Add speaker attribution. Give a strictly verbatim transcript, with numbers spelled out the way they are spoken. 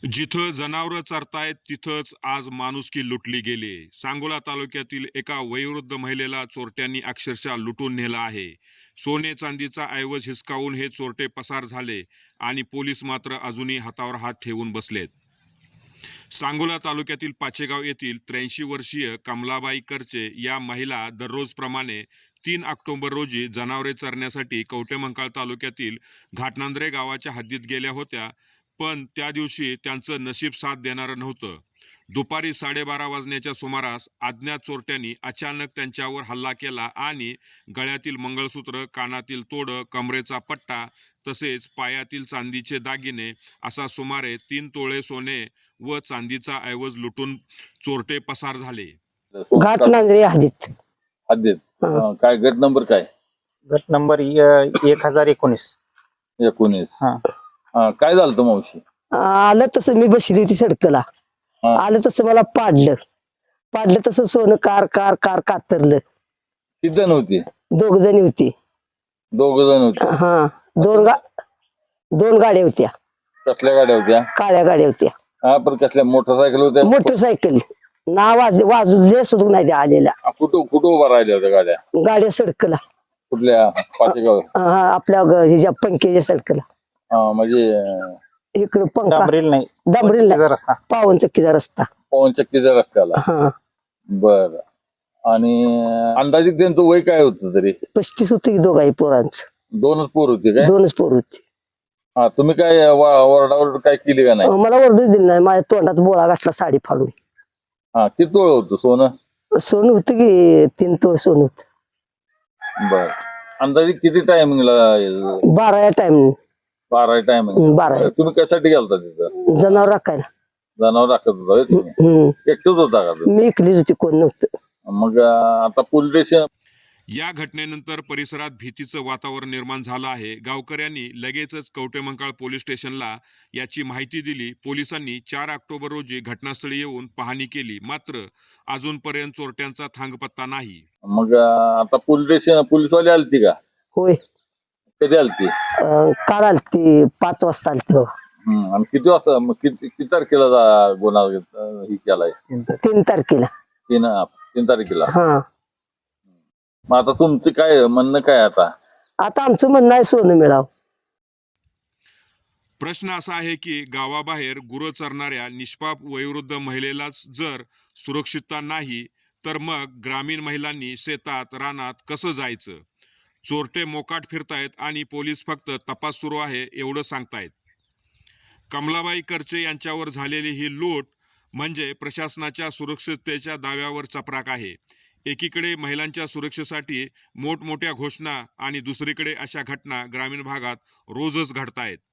Speaker 1: जिथं जनावरं चरतायत तिथंच आज माणुसकी लुटली गेली। सांगोला तालुक्यातील एका वयोवृद्ध महिलेला चोरट्यांनी अक्षरशः लुटून नेलं आहे। सोने चांदीचा ऐवज हिसकावून हे चोरटे पसार झाले आणि पोलीस मात्र अजूनही हातावर हात ठेवून बसलेत। सांगोला तालुक्यातील पाचेगाव येथील त्र्याऐंशी वर्षीय कमलाबाई करचे या महिला दररोजप्रमाणे तीन ऑक्टोबर रोजी जनावरे चरण्यासाठी कवटेमंकाळ तालुक्यातील घाटनांद्रे गावाच्या हद्दीत गेल्या होत्या, पण त्या दिवशी त्यांचं नशीब साथ देणारं नव्हतं। दुपारी साडेबारा वाजण्याच्या सुमारास अज्ञात चोरट्यांनी अचानक त्यांच्यावर हल्ला केला आणि गळ्यातील मंगळसूत्र, कानातील तोडं, कमरेचा पट्टा तसेच पायातील चांदीचे दागिने असा सुमारे तीन तोळे सोने व चांदीचा ऐवज लुटून चोरटे पसार झाले।
Speaker 2: घाटनांद्रे हद्दीत
Speaker 3: हद्दीत अं, काय गट नंबर काय?
Speaker 4: गट नंबर य- एक हजार एकोणीस.
Speaker 3: एकोणीस.
Speaker 4: हा.
Speaker 3: अं, काय झालं होतं मावशी?
Speaker 2: आलं तसं मी बसली होती सडकला,
Speaker 3: हा.
Speaker 2: आलं तसं मला पाडलं पाडलं तसं सोनं कार कार कार कातरलं।
Speaker 3: किती जण होती?
Speaker 2: दोघ जणी होती।
Speaker 3: दोघ जण होते.
Speaker 2: हा, दोन गा दोन गाड्या होत्या,
Speaker 3: कसल्या गाड्या होत्या?
Speaker 2: काळ्या गाड्या होत्या।
Speaker 3: हा, पण कसल्या मोटरसायकल होत्या?
Speaker 2: मोटरसायकल ना वाजले वाजले सुद्धा नाही त्या आलेल्या
Speaker 3: हा, कुठं कुठं उभा राहिल्या होत्या गाड्या?
Speaker 2: गाड्या सडकला,
Speaker 3: कुठल्या? पाचेगाव?
Speaker 2: हा, आपल्या ग- ह्याच्या पंख्याच्या सडकला
Speaker 3: हा, म्हणजे अं,
Speaker 2: इकडं पंखा
Speaker 4: डांबरील नाही,
Speaker 2: डांबरील नाही,
Speaker 4: जरा
Speaker 2: पावन चक्कीचा रस्ता।
Speaker 3: पवन चक्कीच्या रस्त्याला.
Speaker 2: हा,
Speaker 3: बर. आणि अं, अंदाजित त्यांचं वय काय होतं तरी?
Speaker 2: पस्तीस होती की दोघाही पोरांचं,
Speaker 3: दोनच पोर होते काय?
Speaker 2: दोनच पोर होती।
Speaker 3: हा, तुम्ही काय ओरडावर काय केली का नाही?
Speaker 2: मला ओरडूच दिली नाही, माझ्या तोंडात बोळा घातला साडी फाडून।
Speaker 3: हा, किती तोळ होतं सोनं?
Speaker 2: सोनं होतं की तीन तोळ सोनं होत।
Speaker 3: बर. अंदाजे किती टायमिंगला?
Speaker 2: बारा या टाइम
Speaker 3: बारा टायमिंग.
Speaker 2: बारा
Speaker 3: तुम्ही कशासाठी गेलता तिथं?
Speaker 2: जनावर राखायला।
Speaker 3: जनावर राखत होता होय तुम्ही?
Speaker 2: हम्म,
Speaker 3: एकटंच होता का तुम्ही?
Speaker 2: मी इकलीच होती, कोण नव्हतं।
Speaker 3: मग अं, आता पोलीस स्टेशन.
Speaker 1: या घटनेनंतर परिसरात भीतीचं वातावरण निर्माण झालं आहे। गावकऱ्यांनी लगेचच कवटेमंकाळ पोलीस स्टेशनला याची माहिती दिली। पोलिसांनी चार ऑक्टोबर रोजी घटनास्थळी येऊन पाहणी केली, मात्र अजूनपर्यंत चोरट्यांचा थांगपत्ता नाही।
Speaker 3: मग अं, आता पोलीस स्टेशन पोलीसवाले आलती का?
Speaker 2: होय,
Speaker 3: कधी आलती?
Speaker 2: अं, काल आलती, पाच वाजता आलती बाबा।
Speaker 3: हम्म. आणि किती वाजता मग किती किती तारखेला जा- गुन्हा अं, ही केलाय?
Speaker 2: तीन तारखेला।
Speaker 3: तीन तीन तारखेला.
Speaker 2: हा,
Speaker 3: मग आता तुमचं काय म्हणणं काय आता?
Speaker 2: आता आमचं म्हणणं आहे सोनं मिळावं।
Speaker 1: प्रश्न असा आहे की गावाबाहेर गुरं चरणाऱ्या निष्पाप वयोवृद्ध महिलेलाच जर सुरक्षितता नाही, तर मग ग्रामीण महिलांनी शेतात रानात कसं जायचं? चोरटे मोकाट फिरतायत आणि पोलीस फक्त तपास सुरू आहे एवढं सांगतायत। कमलाबाई करचे यांच्यावर झालेली ही लूट म्हणजे प्रशासनाच्या सुरक्षिततेच्या दाव्यावर चपराक आहे। एकीकडे महिलांच्या सुरक्षेसाठी मोठमोठ्या घोषणा आणि दुसरीकडे अशा घटना ग्रामीण भागात रोजच घडतायत।